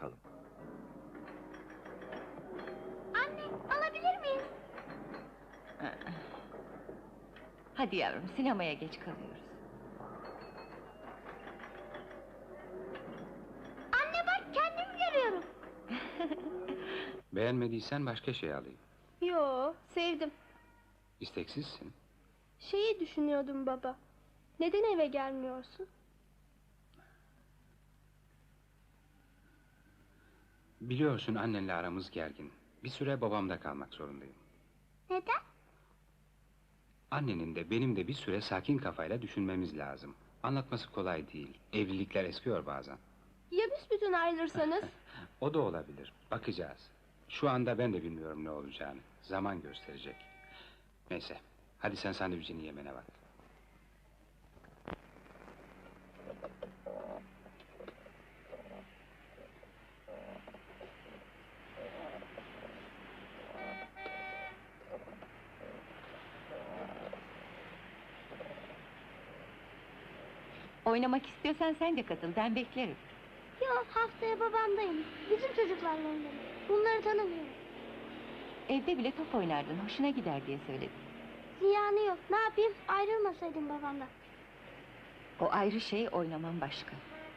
bakalım. Anne, alabilir miyiz? Hadi yavrum, sinemaya geç kalıyoruz. Anne bak, kendimi görüyorum. Beğenmediysen başka şey alayım. Yo, sevdim. İsteksizsin. Şeyi düşünüyordum baba. Neden eve gelmiyorsun? Biliyorsun annenle aramız gergin. Bir süre babamda kalmak zorundayım. Neden? Annenin de benim de bir süre sakin kafayla düşünmemiz lazım. Anlatması kolay değil. Evlilikler eskiyor bazen. Ya büsbütün ayrılırsanız? O da olabilir. Bakacağız. Şu anda ben de bilmiyorum ne olacağını. Zaman gösterecek. Neyse. Hadi sen sandviçini yemene bak. Oynamak istiyorsan sen de katıl, ben beklerim. Yok, haftaya babamdayım. Bizim çocuklarla oynarım. Bunları tanımıyorum. Evde bile top oynardın, hoşuna gider diye söyledim. Ziyanı yok. Ne yapayım? Ayrılmasaydım babamdan. O ayrı şey, oynaman başka.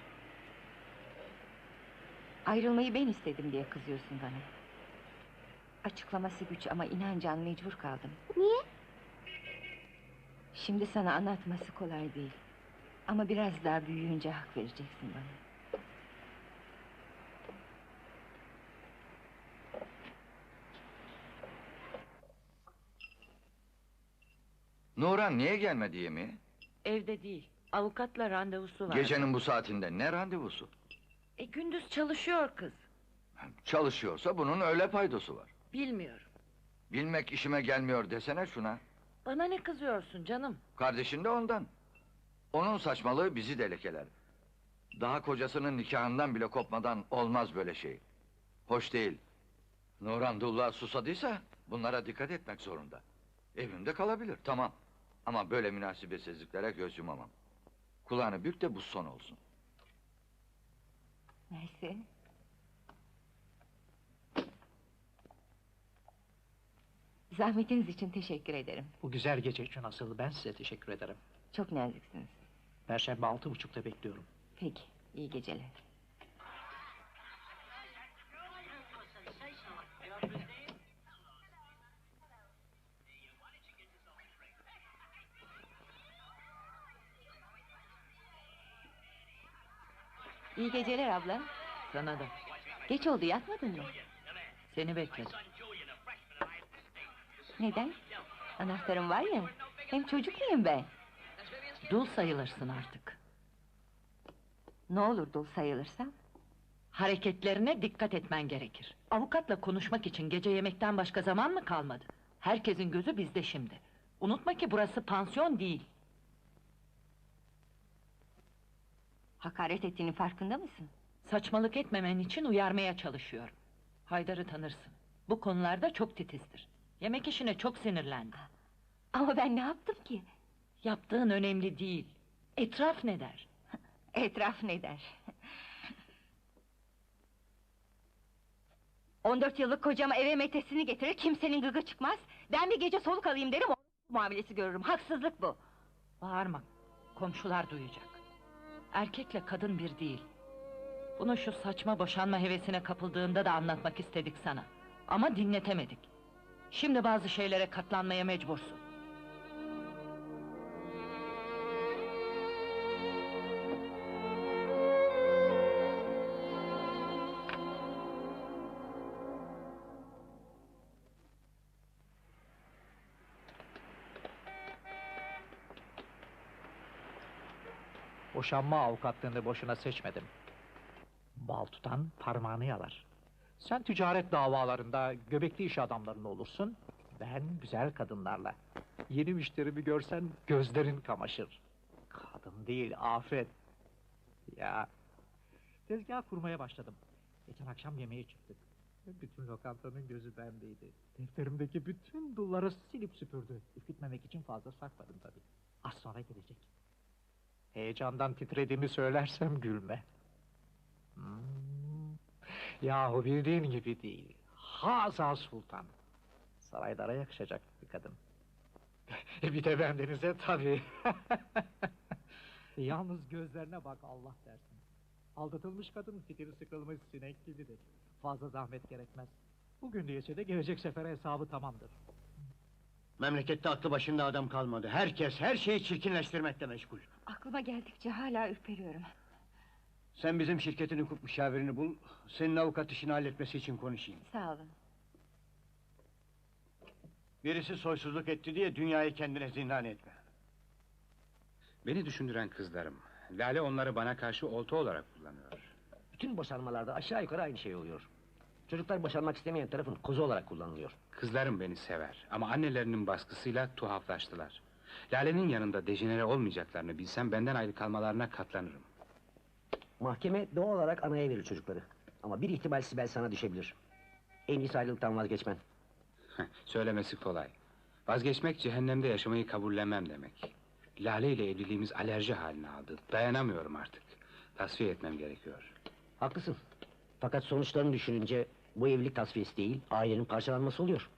Ayrılmayı ben istedim diye kızıyorsun bana. Açıklaması güç ama inan Can, mecbur kaldım. Niye? Şimdi sana anlatması kolay değil. Ama biraz daha büyüyünce hak vereceksin bana. Nuran niye gelmedi yemeğe? Evde değil, avukatla randevusu var. Gecenin bu saatinde ne randevusu? Gündüz çalışıyor kız. Çalışıyorsa bunun öyle paydosu var. Bilmiyorum. Bilmek işime gelmiyor desene şuna. Bana ne kızıyorsun canım? Kardeşin de ondan. Onun saçmalığı bizi de lekeler. Daha kocasının nikahından bile kopmadan olmaz böyle şey. Hoş değil. Nuran Dullah susadıysa bunlara dikkat etmek zorunda. Evimde kalabilir, tamam. Ama böyle münasebetsizliklere göz yumamam. Kulağını bük de bu son olsun. Neyse. Zahmetiniz için teşekkür ederim. Bu güzel gece için asıl ben size teşekkür ederim. Çok naziksiniz. Perşembe 6.30'da bekliyorum. Peki, iyi geceler. İyi geceler abla. Sana da. Geç oldu, yatmadın mı? Seni bekledim. Neden? Anahtarım var ya, hem çocuk muyum ben? Dul sayılırsın artık. Ne olur dul sayılırsam? Hareketlerine dikkat etmen gerekir. Avukatla konuşmak için gece yemekten başka zaman mı kalmadı? Herkesin gözü bizde şimdi. Unutma ki burası pansiyon değil. Hakaret ettiğinin farkında mısın? Saçmalık etmemen için uyarmaya çalışıyorum. Haydar'ı tanırsın. Bu konularda çok titizdir. Yemek işine çok sinirlendi. Ama ben ne yaptım ki? Yaptığın önemli değil. Etraf ne der? Etraf ne der? 14 yıllık kocama eve metesini getirir, kimsenin gıgı çıkmaz. Ben bir gece soluk alayım derim, muamelesi görürüm. Haksızlık bu. Bağırma. Komşular duyacak. Erkekle kadın bir değil. Bunu şu saçma boşanma hevesine kapıldığında da anlatmak istedik sana. Ama dinletemedik. Şimdi bazı şeylere katlanmaya mecbursun. Boşanma avukatlığını boşuna seçmedim. Bal tutan parmağını yalar. Sen ticaret davalarında göbekli iş adamlarında olursun. Ben güzel kadınlarla. Yeni müşterimi görsen gözlerin kamaşır. Kadın değil, afet. Ya, tezgah kurmaya başladım. Geçen akşam yemeğe çıktık. Bütün lokantanın gözü bendeydi. Defterimdeki bütün dulları silip süpürdü. Ürkütmemek için fazla sakladım tabii. Az sonra gelecek. Heyecandan titrediğimi söylersem gülme. Yahu bildiğin gibi değil. Haza Sultan. Saraylara yakışacak bir kadın. Bir de bendenize tabii. Yalnız gözlerine bak Allah dersin. Aldatılmış kadın fitili sıkılmış sinek gibidir. Fazla zahmet gerekmez. Bugün değilse de gelecek sefere hesabı tamamdır. Memlekette aklı başında adam kalmadı. Herkes her şeyi çirkinleştirmekle meşgul. Aklıma geldikçe hala ürperiyorum. Sen bizim şirketin hukuk müşavirini bul, senin avukat işini halletmesi için konuşayım. Sağ olun. Birisi soysuzluk etti diye dünyayı kendine zindan etme. Beni düşündüren kızlarım. Lale onları bana karşı olta olarak kullanıyor. Bütün boşanmalarda aşağı yukarı aynı şey oluyor. Çocuklar boşanmak istemeyen tarafın kozu olarak kullanılıyor. Kızlarım beni sever ama annelerinin baskısıyla tuhaflaştılar. Lale'nin yanında dejenere olmayacaklarını bilsem benden ayrı kalmalarına katlanırım. Mahkeme doğal olarak anaya verir çocukları. Ama bir ihtimal Sibel sana düşebilir. En iyisi ayrılıktan vazgeçmen. Söylemesi kolay. Vazgeçmek cehennemde yaşamayı kabullenmem demek. Lale ile evliliğimiz alerji haline aldı. Dayanamıyorum artık. Tasfiye etmem gerekiyor. Haklısın. Fakat sonuçlarını düşününce bu evlilik tasfiyesi değil, ailenin parçalanması oluyor.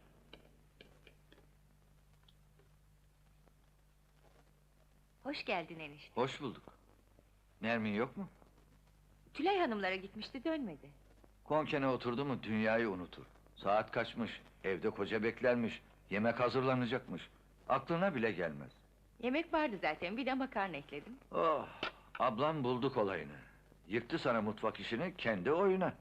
Hoş geldin enişte. Hoş bulduk. Nermin yok mu? Tülay hanımlara gitmişti, dönmedi. Konkene oturdu mu dünyayı unutur. Saat kaçmış, evde koca beklermiş, yemek hazırlanacakmış. Aklına bile gelmez. Yemek vardı zaten, bir de makarna ekledim. Oh, ablam buldu kolayını. Yıktı sana mutfak işini kendi oyuna.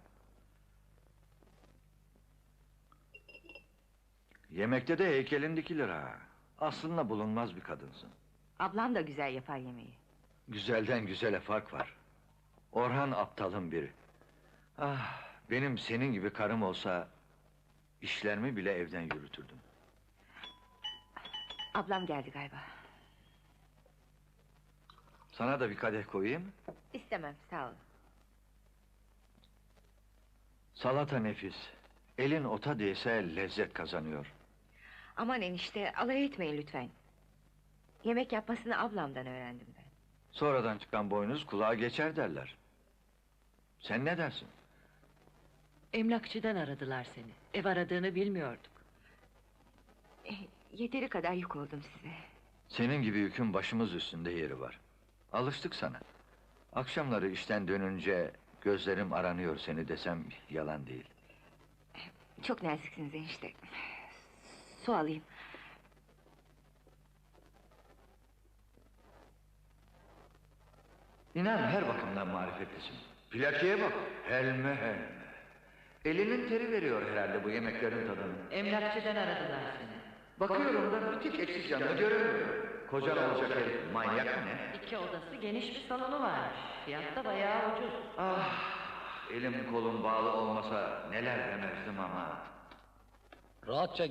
Yemekte de heykelin dikilir ha. Aslında bulunmaz bir kadınsın. Ablam da güzel yapar yemeği. Güzelden güzele fark var. Orhan aptalın biri. Ah, benim senin gibi karım olsa işlerimi bile evden yürütürdüm. Ablam geldi galiba. Sana da bir kadeh koyayım. İstemem, sağ olun. Salata nefis. Elin ota değse lezzet kazanıyor. Aman enişte, alay etmeyin lütfen. Yemek yapmasını ablamdan öğrendim ben. Sonradan çıkan boynuz kulağa geçer derler. Sen ne dersin? Emlakçıdan aradılar seni. Ev aradığını bilmiyorduk. Yeteri kadar yük oldum size. Senin gibi yükün başımız üstünde yeri var. Alıştık sana. Akşamları işten dönünce gözlerim aranıyor seni desem yalan değil. Çok naziksiniz enişte. Su alayım. İnan her bakımdan marifetlisin. Plakeye bak, helme helme. Elinin teri veriyor herhalde bu yemeklerin tadını. Emlakçıdan aradılar seni. Bakıyorum da bir tek eksik yanını göremiyorum. Kocan olacak herif, manyak mı ne? 2 odası, geniş bir salonu varmış. Fiyat da bayağı ucuz. Ah, elim kolum bağlı olmasa neler demezdim ama. Rahatça